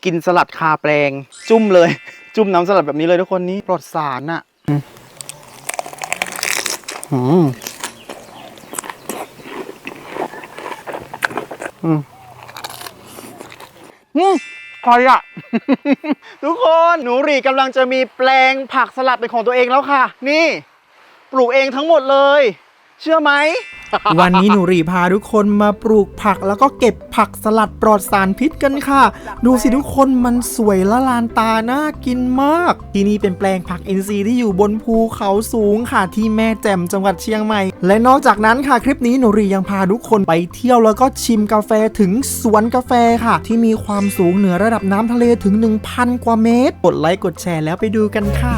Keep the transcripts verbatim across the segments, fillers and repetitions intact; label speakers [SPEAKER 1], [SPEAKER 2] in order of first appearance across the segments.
[SPEAKER 1] กินสลัดคาแปลงจุ่มเลยจุ่มน้ำสลัดแบบนี้เลยทุกคนนี่ปลอดสารอ่ะอืมอืมอืมใครอ่ะ ทุกคนหนูหรี่กำลังจะมีแปลงผักสลัดเป็นของตัวเองแล้วค่ะนี่ปลูกเองทั้งหมดเลยเชื่อไหม
[SPEAKER 2] วันนี้หนูรีพาทุกคนมาปลูกผักแล้วก็เก็บผักสลัดปลอดสารพิษกันค่ะดูสิทุกคนมันสวยละลานตาน่ากินมากที่นี่เป็นแปลงผักอินทรีย์ที่อยู่บนภูเขาสูงค่ะที่แม่แจ่มจังหวัดเชียงใหม่และนอกจากนั้นค่ะคลิปนี้หนูรียังพาทุกคนไปเที่ยวแล้วก็ชิมกาแฟถึงสวนกาแฟค่ะที่มีความสูงเหนือระดับน้ำทะเลถึง หนึ่งพัน กว่าเมตรกดไลค์กดแชร์แล้วไปดูกันค่ะ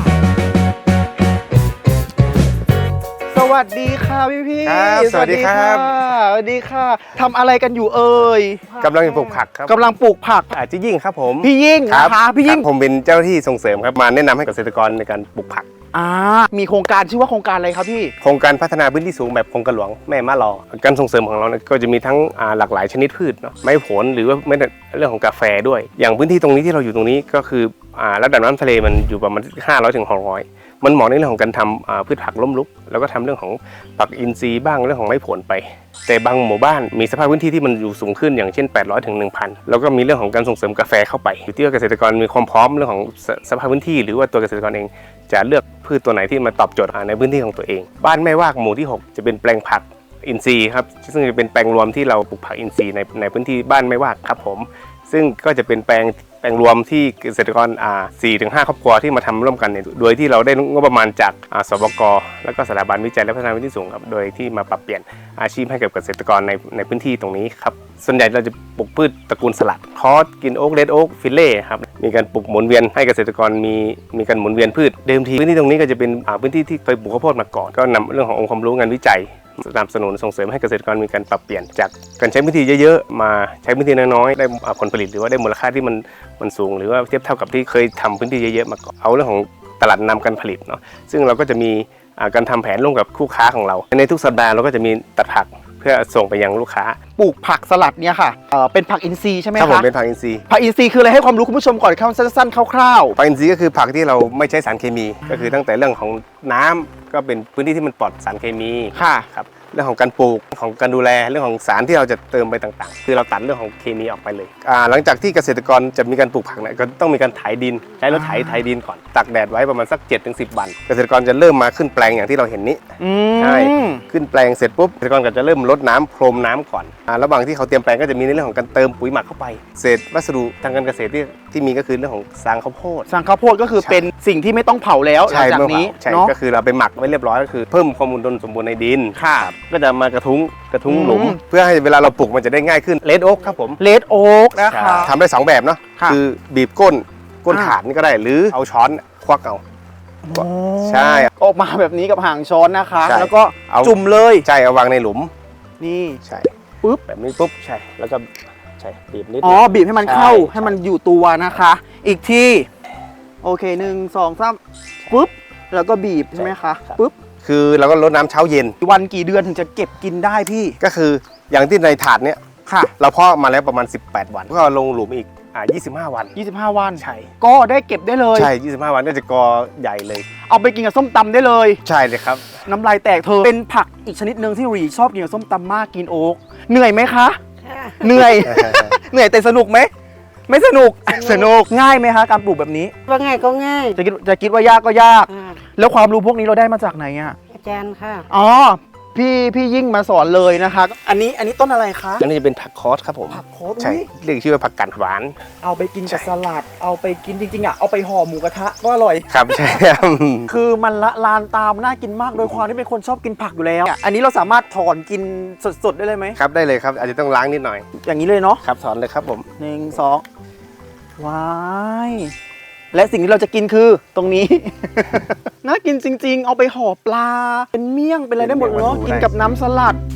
[SPEAKER 1] สวัสดีค่ะพี่พี่
[SPEAKER 3] ครับสวัสดีครับ
[SPEAKER 1] สวัสดีค่ะทำอะไรกันอยู่เอ่ย
[SPEAKER 3] กำลังปลูกผักครับ
[SPEAKER 1] กำลังปลูกผัก
[SPEAKER 3] อาจิยิ่งครับผม
[SPEAKER 1] พี่ยิ่ง
[SPEAKER 3] ครั
[SPEAKER 1] นะคะพี่ยิ่ง
[SPEAKER 3] ครับผมเป็นเจ้าหน้าที่ส่งเสริมครับมาแนะนำให้เกษตรกรในการปลูกผัก
[SPEAKER 1] อ่ามีโครงการชื่อว่าโครงการอะไรครับพี่
[SPEAKER 3] โครงการพัฒนาพื้นที่สูงแบบโครงการหลวงแม่มะลอการส่งเสริมของเราเนี่ยก็จะมีทั้งอ่าหลากหลายชนิดพืชเนาะไม้ผลหรือว่าไม่เรื่องของกาแฟด้วย อย่างพื้นที่ตรงนี้ที่เราอยู่ตรงนี้ก็คืออ่าระดับน้ำทะเลมันอยู่ประมาณห้าร้อยถึงหกร้อยมันเหมาะในเรื่องของการทำพืชผักล้มลุกแล้วก็ทำเรื่องของผักอินทรีย์บ้างเรื่องของไม้ผลไปแต่บางหมู่บ้านมีสภาพพื้นที่ที่มันอยู่สูงขึ้นอย่างเช่นแปดร้อยถึง หนึ่งพัน แล้วก็มีเรื่องของการส่งเสริมกาแฟเข้าไปอยู่ที่ว่าเกษตรกรมีความพร้อมเรื่องของสภาพพื้นที่หรือว่าตัวเกษตรกรเองจะเลือกพืชตัวไหนที่มาตอบโจทย์ในพื้นที่ของตัวเองบ้านแม่วากหมู่ที่หกจะเป็นแปลงผักอินทรีย์ครับซึ่งจะเป็นแปลงรวมที่เราปลูกผักอินทรีย์ในในพื้นที่บ้านแม่วากครับผมซึ่งก็จะเป็นแปลงแปลงรวมที่เกษตรกรอ่า สี่ถึงห้า ครอบครัวที่มาทำร่วมกันเนี่ยโดยที่เราได้งบประมาณจากอ่าสบกแล้วก็สถาบันวิจัยและพัฒนาพื้นที่สูงครับโดยที่มาปรับเปลี่ยนอาชีพให้กับเกษตรกรในในพื้นที่ตรงนี้ครับส่วนใหญ่เราจะปลูกพืชตระกูลสลัดคอสกินโอ๊กเรดโอ๊กฟิลเล่ครับมีการปลูกหมุนเวียนให้เกษตรกรมีมีการหมุนเวียนพืชเดิมทีพื้นที่ตรงนี้ก็จะเป็นอ่าพื้นที่ที่เคยปลูกข้าวโพดมาก่อนก็นำเรื่องขององค์ความรู้งานวิจัยสนับสนุนส่งเสริมให้เกษตรกรมีการปรับเปลี่ยนจากการใช้พื้นที่เยอะๆมาใช้พื้นที่น้อยๆได้ผลผลิตหรือว่าได้มูลค่าที่มันมันสูงหรือว่าเทียบเท่ากับที่เคยทำพื้นที่เยอะๆมาก่อนเอาเรื่องของตลาดนำการผลิตเนาะซึ่งเราก็จะมีการทำแผนร่วมกับคู่ค้าของเราในทุกสัปดาห์เราก็จะมีตัดผักเพื่อส่งไปยังลูกค้า
[SPEAKER 1] ปลูกผักสลัดเนี่ยค่ะเอ่อเป็นผักอินทรีย์ใช่ไหม
[SPEAKER 3] ค
[SPEAKER 1] คะ
[SPEAKER 3] รับผมเป็นผักอินทรีย์
[SPEAKER 1] ผักอินทรีย์คืออะไรให้ความรู้คุณผู้ชมก่อนครับสั้นๆคร่าว
[SPEAKER 3] ผักอินทรีย์ก็คือผักที่เราไม่ใช้สารเคมีก็คือตั้งแต่เรื่องของน้ำก็เป็นพื้นที่ที่มันปลอดสารเคมี
[SPEAKER 1] ๆค่ะ
[SPEAKER 3] ครับเรื่องของการปลูกของการดูแลเรื่องของสารที่เราจะเติมไปต่างๆคือเราตัดเรื่องของเคมีออกไปเลยอ่าหลังจากที่เกษตรกรจะมีการปลูกผักเนี่ยก็ต้องมีการไถดินใช้รถไถไถดินก่อนตากแดดไว้ประมาณสัก เจ็ดถึงสิบ วันเกษตรกรจะเริ่มมาขึ้นแปลงอย่างที่เราเห็นนี้
[SPEAKER 1] อืม
[SPEAKER 3] ใช่ขึ้นแปลงเสร็จปุ๊บเกษตรกรก็จะเริ่มรดน้ำพรมน้ำก่อนอ่าระหว่างที่เขาเตรียมแปลงก็จะมีในเรื่องของการเติมปุ๋ยหมักเข้าไปเศษวัสดุทางการเกษตรที่ที่มีก็คือเรื่องของซางข้าวโพด
[SPEAKER 1] สั่งข้าวโพดก็คือเป็นสิ่งที่ไม่ต้องเผาแล้วหลังจากนี้
[SPEAKER 3] ใช่
[SPEAKER 1] เนาะ
[SPEAKER 3] ก็คือเราไปหมักไว้เรียบร้อยก็คือเพิ่มความอุดมสมบูรณ์ในดิน
[SPEAKER 1] ค่ะ
[SPEAKER 3] ก็จะมากระทุ้งกระทุ้ง
[SPEAKER 1] อืม
[SPEAKER 3] หลุมเพื่อให้เวลาเราปลูกมันจะได้ง่ายขึ้นเลดโอ๊กครับผม
[SPEAKER 1] เลดโอ๊กนะคะ
[SPEAKER 3] ทำได้สองแบบเนาะ
[SPEAKER 1] ค่ะ
[SPEAKER 3] คือบีบก้นก้น
[SPEAKER 1] อ่า
[SPEAKER 3] ถาดนี่ก็ได้หรือเอาช้อนควักเอา
[SPEAKER 1] โอ้
[SPEAKER 3] ใช่
[SPEAKER 1] ออกมาแบบนี้กับหางช้อนนะคะ
[SPEAKER 3] ใช่
[SPEAKER 1] แล้วก็
[SPEAKER 3] เอา
[SPEAKER 1] จุ่มเลย
[SPEAKER 3] ใช่เอาวางในหลุม
[SPEAKER 1] นี่
[SPEAKER 3] ใช่
[SPEAKER 1] ปึ๊บ
[SPEAKER 3] แบบนี้ปุ๊บใช่แล้วก็ใช่บีบนิด
[SPEAKER 1] อ๋อบีบให้มันเข้า
[SPEAKER 3] ใช่
[SPEAKER 1] ให้มันอยู่ตัวนะคะ อีกทีโอเคหนึ่งสองสามปึ๊บแล้วก็บีบใช่ไหมคะปึ๊บ
[SPEAKER 3] คือเราก็รดน้ำเช้าเย็น
[SPEAKER 1] วันกี่เดือนถึงจะเก็บกินได้พี่
[SPEAKER 3] ก็คืออย่างที่ในถาดเนี้ย
[SPEAKER 1] ค่ะ
[SPEAKER 3] เราเพาะมาแล้วประมาณสิบแปดวันก็ลงหลุมอีกอ่ายี่สิบห้าวัน
[SPEAKER 1] ยี่สิบห้าวัน
[SPEAKER 3] ใช่
[SPEAKER 1] ก็ได้เก็บได้เลย
[SPEAKER 3] ใช่ยี่สิบห้าวันก็จะกอใหญ่เลย
[SPEAKER 1] เอาไปกินกับส้มตำได้เลย
[SPEAKER 3] ใช่เลยครับ
[SPEAKER 1] น้ำลายแตกเธอเป็นผักอีกชนิดหนึ่งที่หรีชอบกินกับส้มตำมากกินโอ๊กเหนื่อยไหมคะ เหนื่อย เหนื่อยแต่สนุกไหมไม่สนุกสนุกง่ายไหมคะการปลูกแบบนี้
[SPEAKER 4] ว่าง่ายก็ง่าย
[SPEAKER 1] จะคิดจะคิดว่ายากก็ยาก
[SPEAKER 4] อ่า
[SPEAKER 1] แล้วความรู้พวกนี้เราได้มาจากไหนอ่ะ
[SPEAKER 4] อาจารย์ค่ะ
[SPEAKER 1] อ๋อพี่พี่ยิ่งมาสอนเลยนะคะ อันนี้อันนี้ต้นอะไรคะ
[SPEAKER 3] อันนี้จะเป็นผักคอสครับผม
[SPEAKER 1] ผักโคตร
[SPEAKER 3] ใช่เรียกชื่อว่าผักกาดหวาน
[SPEAKER 1] เอาไปกินกับสลัด เอาไปกินจริงๆอ่ะเอาไปห่อหมูกระทะก็อร่อย
[SPEAKER 3] ครับใช่ครับ
[SPEAKER 1] คือมันละลานตามน่ากินมากโดยความที่เป็นคนชอบกินผักอยู่แล้ว อันนี้เราสามารถถอนกินสดๆได้เลยไหม
[SPEAKER 3] ครับได้เลยครับอาจจะต้องล้างนิดหน่อย
[SPEAKER 1] อย่างนี้เลยเนาะ
[SPEAKER 3] ครับถอนเลยครับผม
[SPEAKER 1] หนึ่งสองว้ายและสิ่งที่เราจะกินคือตรงนี้ น่ากินจริงๆ เอาไปห่อปลา เป็นเมี่ยงเป็นอะไรได้หมดเนาะกินกับน้ำสลัด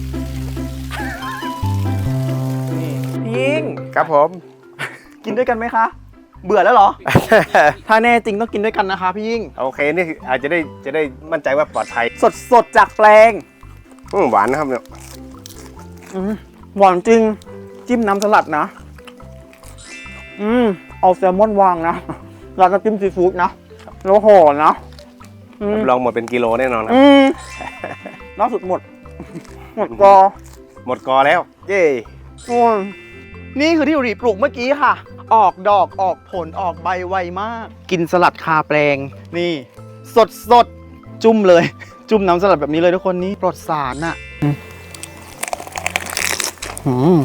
[SPEAKER 1] นี่พี่ยิ่ง
[SPEAKER 3] ครับผม
[SPEAKER 1] กินด้วยกันไหมคะ เบื่อแล้วเหรอ ถ้าแน่จริงต้องกินด้วยกันนะคะพี่ยิ่ง
[SPEAKER 3] โอเคนี่อาจจะได้จะได้มั่นใจว่าปลอดภัย
[SPEAKER 1] สดสดๆจากแปลง
[SPEAKER 3] อืมหวานนะครับเนี่ย
[SPEAKER 1] อืมหวานจริงจิ้มน้ำสลัดนะ อืมเอาแซลมอนวางนะร้านน้ำจิ้มซีฟู้ดนะแล้วห่อนะอืม
[SPEAKER 3] รับรองหมดเป็นกิโลแน่นอนครับ
[SPEAKER 1] อืมล่าสุดหมด หมดกอ
[SPEAKER 3] หมดกอแล้ว เย้
[SPEAKER 1] โอ้ยนี่คือที่อุรีปลูกเมื่อกี้ค่ะ ออกดอกออกผลออกใบไวมาก กินสลัดคาแปลง นี่ สดสดจุ่มเลย จุ่มน้ำสลัดแบบนี้เลยทุกคนนี่ปลอดสารอ่ะอืม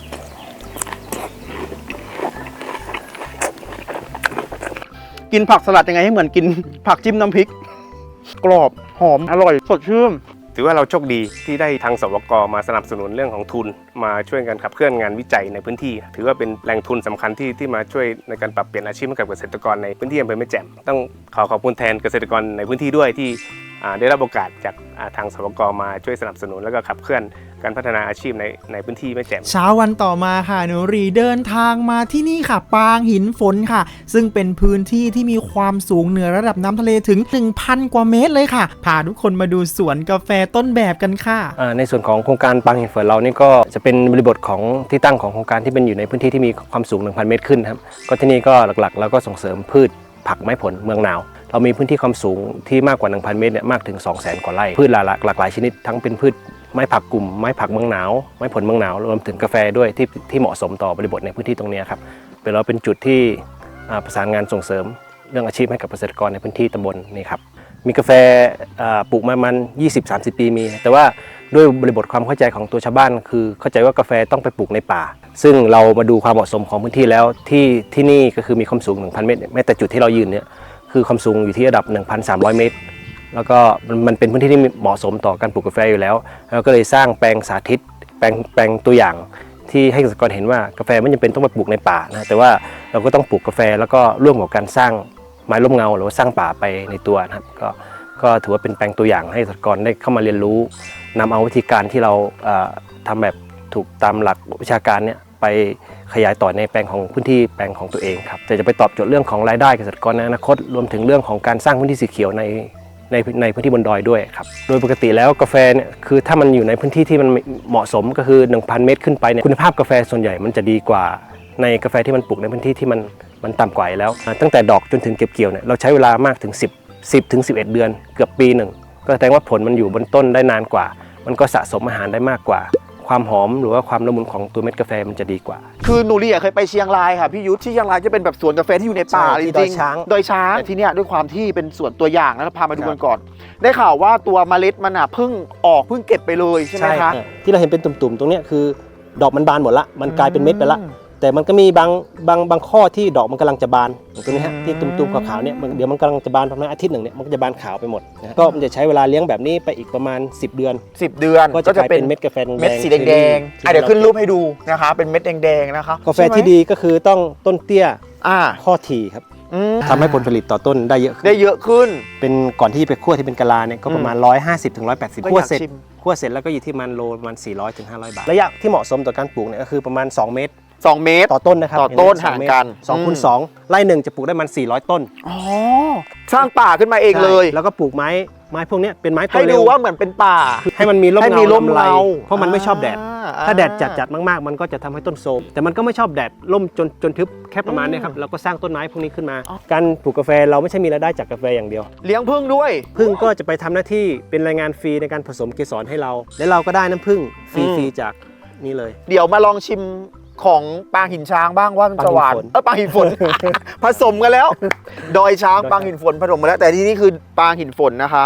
[SPEAKER 1] กินผักสลัดยังไงให้เหมือนกินผักจิ้มน้ำพริก กรอบหอมอร่อยสดชื่น
[SPEAKER 3] ถือว่าเราโชคดีที่ได้ทางสวกมาสนับสนุนเรื่องของทุนมาช่วยกันขับเคลื่อนงานวิจัยในพื้นที่ ถือว่าเป็นแหล่งทุนสำคัญที่ที่มาช่วยในการปรับเปลี่ยนอาชีพให้กับเกษตรกรในพื้นที่อำเภอแม่แจ่มต้องขอขอบคุณแทนเกษตรกรในพื้นที่ด้วยที่อ่าได้รับโอกาสจากอ่าทางสวกมาช่วยสนับสนุนแล้วก็ขับเคลื่อนการพัฒนาอาชีพในในพื้นที่แม่แจ่ม
[SPEAKER 2] เช้าวันต่อมาค่ะหนูรีเดินทางมาที่นี่ค่ะ ปางหินฝนค่ะ ซึ่งเป็นพื้นที่ที่มีความสูงเหนือระดับน้ำทะเลถึง หนึ่งพัน กว่าเมตรเลยค่ะ พาทุกคนมาดูสวนกาแฟต้นแบบกันค่ะ
[SPEAKER 4] อ่าในส่วนของโครงการปางหินฝนเรานี่ก็จะเป็นบริบทของที่ตั้งของโครงการที่เป็นอยู่ในพื้นที่ที่มีความสูง หนึ่งพัน เมตรขึ้นครับก็ที่นี่ก็หลักๆแล้วก็ส่งเสริมพืชผักไม้ผลเมืองหนาวเรามีพื้นที่ความสูงที่มากกว่า หนึ่งพัน เมตรเนี่ยมากถึง สองแสน กว่าไร่พืชหลากหลากหลายชนิดทั้งเป็นพืชไม้ผักกลุ่มไม้ผักเมืองหนาวไม้ผลเมืองหนาวรวมถึงกาแฟด้วยที่ที่เหมาะสมต่อบริบทในพื้นที่ตรงนี้ครับเป็นเราเป็นจุดที่อ่าประสานงานส่งเสริมเรื่องอาชีพให้กับเกษตรกรในพื้นที่ตำบลนี่ครับมีกาแฟอ่าปลูกมามัน ยี่สิบถึงสามสิบ ปีมีแต่ว่าด้วยบริบทความเข้าใจของตัวชาวบ้านคือเข้าใจว่ากาแฟต้องไปปลูกในป่าซึ่งเรามาดูความเหมาะสมของพื้นที่แล้วที่ที่นี่ก็คือมีความสูง หนึ่งพัน เมตรแม้แต่จุดที่เรายืนเนี่ยคือความสูงอยู่ที่ระดับ หนึ่งพันสามร้อย เมตรแล้วก็มันเป็นพื้นที่ที่เหมาะสมต่อการปลูกกาแฟอยู่แล้วเราก็เลยสร้างแปลงสาธิตแปลงแปลงตัวอย่างที่ให้เกษตรกรเห็นว่ากาแฟไม่จำเป็นต้องไปปลูกในป่านะแต่ว่าเราก็ต้องปลูกกาแฟแล้วก็ร่วมกับการสร้างไม้ร่มเงาหรือว่าสร้างป่าไปในตัวนะครับก็ก็ถือว่าเป็นแปลงตัวอย่างให้เกษตรกรได้เข้ามาเรียนรู้นำเอาวิธีการที่เราทำแบบถูกตามหลักวิชาการเนี่ยไปขยายต่อในแปลงของพื้นที่แปลงของตัวเองครับแต่จะไปตอบโจทย์เรื่องของรายได้เกษตรกรในอนาคตรวมถึงเรื่องของการสร้างพื้นที่สีเขียวในในในพื้นที่บนดอยด้วยครับโดยปกติแล้วกาแฟเนี่ยคือถ้ามันอยู่ในพื้นที่ที่มันเหมาะสมก็คือ หนึ่งพัน เมตรขึ้นไปเนี่ยคุณภาพกาแฟส่วนใหญ่มันจะดีกว่าในกาแฟที่มันปลูกในพื้นที่ที่มันมันต่ำกว่าแล้วตั้งแต่ดอกจนถึงเก็บเกี่ยวเนี่ยเราใช้เวลามากถึงสิบ สิบถึงสิบเอ็ด เดือนเกือบปีหนึ่งก็แสดงว่าผลมันอยู่บนต้นได้นานกว่ามันก็สะสมอาหารได้มากกว่าความหอมหรือว่าความละมุนของตัวเม็ดกาแฟมันจะดีกว่า
[SPEAKER 1] คือหนูรีเคยไปเชียงรายค่ะพี่ยุทธที่เชียงรายจะเป็นแบบสวนกาแฟที่อยู่ในป่าจริงๆ
[SPEAKER 4] ดอยช้าง
[SPEAKER 1] ดอยช้างแต่ที่เนี้ยด้วยความที่เป็นสวนตัวอย่างนะครับพามาดูกันก่อน ได้ข่าวว่าตัวเมล็ดมันอ่ะเพิ่งออกเพิ่งเก็บไปเลยใช่ไหมคะ
[SPEAKER 4] ที่เราเห็นเป็นตุ่มๆตรงนี้คือดอกมันบานหมดละมันกลายเป็นเม็ดไปละแต่มันก็มีบางบางบางข้อที่ดอกมันกำลังจะบานอย่างตัวนี้ฮะที่ตุ่มๆขาวๆเนี่ยเดี๋ยวมันกำลังจะบานประมาณอาทิตย์หนึ่งเนี่ยมันก็จะบานขาวไปหมดนะก็มันจะใช้เวลาเลี้ยงแบบนี้ไปอีกประมาณสิบเดือน
[SPEAKER 1] สิบเดือน
[SPEAKER 4] ก็จะกลายเป็นเม็ดกาแฟแดง
[SPEAKER 1] เม็ดสีแดงๆอ่ะเดี๋ยวขึ้นรูปให้ดูนะคะเป็นเม็ดแดงๆนะคะ
[SPEAKER 4] กาแฟที่ดีก็คือต้องต้นเตี้ย
[SPEAKER 1] อ่า
[SPEAKER 4] ข้อถี่ครับทำให้ผลผลิตต่อต้นได้เยอะขึ้น
[SPEAKER 1] ได้เยอะขึ้น
[SPEAKER 4] เป็นก่อนที่จะไปคั่วที่เป็นกะลาเนี่ยก็ประมาณหนึ่งร้อยห้าสิบถึงหนึ่งร้อยแปดสิบคั่วเสร็จคั่วเสร็จแล้วก็อยู่ที่มันโลประมาณสี่ร้อยถึงห้าร้อยบาทระยะที่เหมาะสมต่อการปลูกเนี่ยก็คือประมาณสองเมตร
[SPEAKER 1] สองเมตร
[SPEAKER 4] ต่อต้นนะครับ
[SPEAKER 1] ต่อต้นห่างกัน
[SPEAKER 4] สองคูณสองไร่หนึ่งจะปลูกได้มันสี่ร้อยต้น
[SPEAKER 1] อ๋อสร้างป่าขึ้นมาเองเลย
[SPEAKER 4] แล้วก็ปลูกไม้ไม้พวกนี้เป็นไม้ตัว
[SPEAKER 1] เร็วให้ดูว่าเหมือนเป็นป่า
[SPEAKER 4] ให้มันมีร่มเงา
[SPEAKER 1] ร่มเงา
[SPEAKER 4] เพราะมันไม่ชอบแดดถ้าแดดจัดๆมากๆมันก็จะทำให้ต้นโทรมแต่มันก็ไม่ชอบแดดร่มจนจนทึบแค่ประมาณนี้ครับแล้วก็สร้างต้นไม้พวกนี้ขึ้นมาการปลูกกาแฟเราไม่ใช่มีรายได้จากกาแฟอย่างเดียว
[SPEAKER 1] เลี้ยงผึ้งด้วย
[SPEAKER 4] ผึ้งก็จะไปทำหน้าที่เป็นรายงานฟรีในการผสมเกสรให้เราและเราก็ได้น้ำผึ้งฟรีๆจากนี่เลย
[SPEAKER 1] เดี๋ยวมาลองชิมของปางหินช้างบ้างว่ามันจะหวานเออปางหินฝน ผสมกันแล้วดอยช้างปางหินฝนผสมกันแล้วแต่ที่นี่คือปางหินฝนนะคะ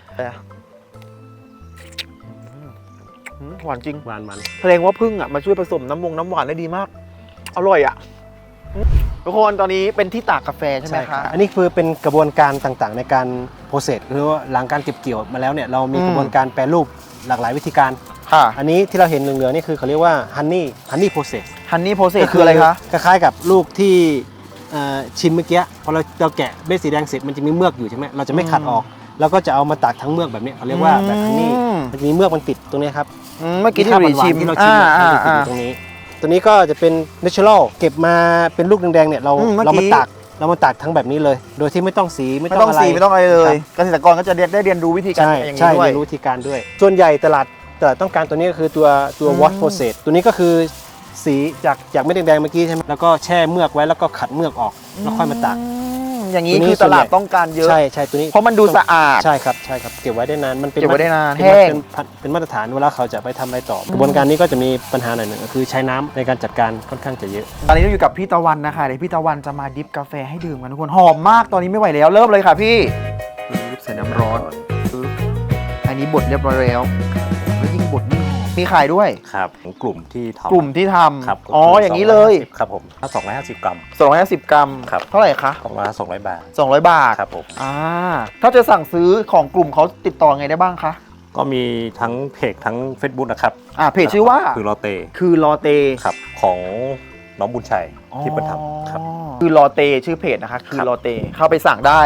[SPEAKER 1] หวานจริง
[SPEAKER 4] หวานมัน
[SPEAKER 1] แสดงว่าผึ้งอ่ะมาช่วยผสมน้ำวงน้ำหวานได้ดีมากอร่อยอ่ะทุกคนตอนนี้เป็นที่ตากกาแฟใช่ไหมคะ
[SPEAKER 4] อันนี้คือเป็นกระบวนการต่างๆในการโปรเซสคือว่าหลังการเก็บเกี่ยวมาแล้วเนี่ยเรามีกระบวนการแปรรูปหลากหลายวิธีการอันนี้ที่เราเห็นเหลืองๆนี่คือเขาเรียกว่าฮันนี่ฮันนี่โปรเซส
[SPEAKER 1] ฮันนี่โปรเซสคืออะไรคะ
[SPEAKER 4] คล้ายๆกับลูกที่ชิมเมื่อกี้พอเราเราแกะเม็ดสีแดงเสร็จมันจะมีเมือกอยู่ใช่ไหมเราจะไม่ขัดออกแล้วก็จะเอามาตากทั้งเมือกแบบนี้เขาเรียกว่าแบบฮันนี่มันจะมีเมือกมันติดตรงนี้ครับ
[SPEAKER 1] เมื่อกี้ที่เราชิม
[SPEAKER 4] ที่เราชิมมันติดอยู่ตรงนี้ตัวนี้ก็จะเป็น natural เก็บมาเป็นลูกแดงๆเนี่ยเราเรามาตากเรามาตากทั้งแบบนี้เลยโดยที่ไม่ต้องสี
[SPEAKER 1] ไม่ต้องสีไม่ต้องอะไรเลยเกษตรกรก็จะได้เรียนรู้วิธีการอย่างนี้ด้วย
[SPEAKER 4] เรียนรู้วิธีการด้วยส่วนใหญ่ตลาดตลาดต้องการตัวนี้ก็คือตัวตัว wash process ตัวนี้ก็คือสีจากจากเม็ดแดงๆเมื่อกี้ใช่ไหมแล้วก็แช่เมือกไว้แล้วก็ขัดเมือกออกแล้วค่อยมาตาก
[SPEAKER 1] อืมอย่างนี้
[SPEAKER 4] ตัวนี้
[SPEAKER 1] คือตลาดต้องการเยอะ
[SPEAKER 4] ใช่ใช่ตัวนี้
[SPEAKER 1] เพราะมันดูสะอาด
[SPEAKER 4] ใช่ครับใช่ครับเก็บไว้ได้นานมันเป็น
[SPEAKER 1] เก็บไว้ได้นาน
[SPEAKER 4] เป็
[SPEAKER 1] แห้ง
[SPEAKER 4] เป็นเป็นมาตรฐานเวลาเขาจะไปทำอะไรต่อกระบวนการนี้ก็จะมีปัญหาหน่อยหนึ่งก็คือใช้น้ำในการจัดการค่อนข้างจะเยอะ
[SPEAKER 1] ตอนนี้เราอยู่กับพี่ตะวันนะคะเดี๋ยวพี่ตะวันจะมาดิฟกาแฟให้ดื่มกันทุกคนหอมมากตอนนี้ไม่ไหวแล้วเริ่มเลยค่ะพี่ใส่น้ำร้อนอันนี้บดเรียบร้อยแล้วแล้วยิ่งบดยิ่งหอมมีขายด้วย
[SPEAKER 5] ครับกลุ่มที่ทำ
[SPEAKER 1] กลุ่มที่ท
[SPEAKER 5] ครับ
[SPEAKER 1] ำอ๋ออย่างนี้เลย
[SPEAKER 5] ครับผมถ้าสองร้อยห้าสิบกรัม
[SPEAKER 1] สองร้อยห้าสิบกรัม
[SPEAKER 5] ครับ
[SPEAKER 1] เท่าไหร่คะ
[SPEAKER 5] ประมาณสองร้อยบาท
[SPEAKER 1] สองร้อยบาท
[SPEAKER 5] ครับผม
[SPEAKER 1] อ่าถ้าจะสั่งซื้อของกลุ่มเขาติดต่อไงได้บ้างคะ
[SPEAKER 5] ก็มีทั้งเพจทั้ง Facebook นะครับ
[SPEAKER 1] อ่าเพจชื่อว่า
[SPEAKER 5] คือโรเต
[SPEAKER 1] คือลอเต
[SPEAKER 5] ครับของน้องบุญชัยที่เปิดทำครับ
[SPEAKER 1] อ๋อคือลอเตชื่อเพจนะคะคือ
[SPEAKER 5] ครับ
[SPEAKER 1] ลอเตเข้าไปสั่งได้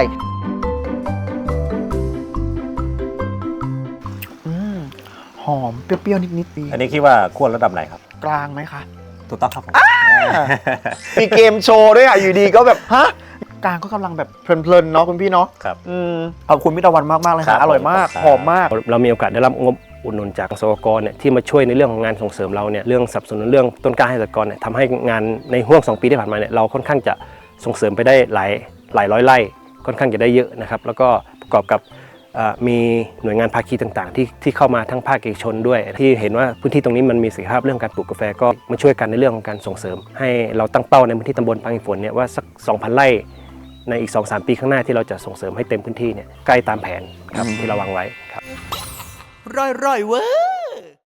[SPEAKER 1] อืมหอมเปรี้ยวๆนิดๆดี
[SPEAKER 5] อันนี้คิดว่าควรระดับไหนครับ
[SPEAKER 1] กลางไหมคะ
[SPEAKER 5] ถูกต้องครับผม
[SPEAKER 1] มีเกมโชว์ด้วยอ่ะ อยู่ดีก็แบบ ฮะ กลางก็กำลังแบบเพลินๆ เนาะคุณพี่เนาะ
[SPEAKER 5] ครับ
[SPEAKER 1] อืมขอบคุณพี่ตะวันมาก ๆ เลย
[SPEAKER 5] ครั
[SPEAKER 1] ค่ะ
[SPEAKER 5] บ
[SPEAKER 1] อร่อยมาก
[SPEAKER 5] ผม
[SPEAKER 1] หอมมาก
[SPEAKER 4] เรามีโอกาสได้รับงบอุดหนุนจากสหกรณ์เนี่ยที่มาช่วยในเรื่องของงานส่งเสริมเราเนี่ยเรื่องสนับสนุนเรื่องต้นกล้าให้สหกรณ์เนี่ยทำให้งานในห่วงสองปีที่ผ่านมาเนี่ยเราค่อนข้างจะส่งเสริมไปได้หลายหลายร้อยไร่ค่อนข้างจะได้เยอะนะครับแล้วก็ประกอบกับเอ่อมีหน่วยงานภาคีต่างๆ ที่ที่เข้ามาทั้งภาคเอกชนด้วย ที่เห็นว่าพื้นที่ตรงนี้มันมีศักยภาพเรื่องการปลูกกาแฟก็มาช่วยกันในเรื่องของการส่งเสริม ให้เราตั้งเป้าในพื้นที่ตำบลปางหินฝนเนี่ยว่าสัก สองพัน ไร่ในอีก สองถึงสาม ปีข้างหน้าที่เราจะส่งเสริมให้เต็มพื้นที่เนี่ยใกล้ตามแผนครับที่เราวางไว้ครับ
[SPEAKER 1] ร่อยๆเว้ย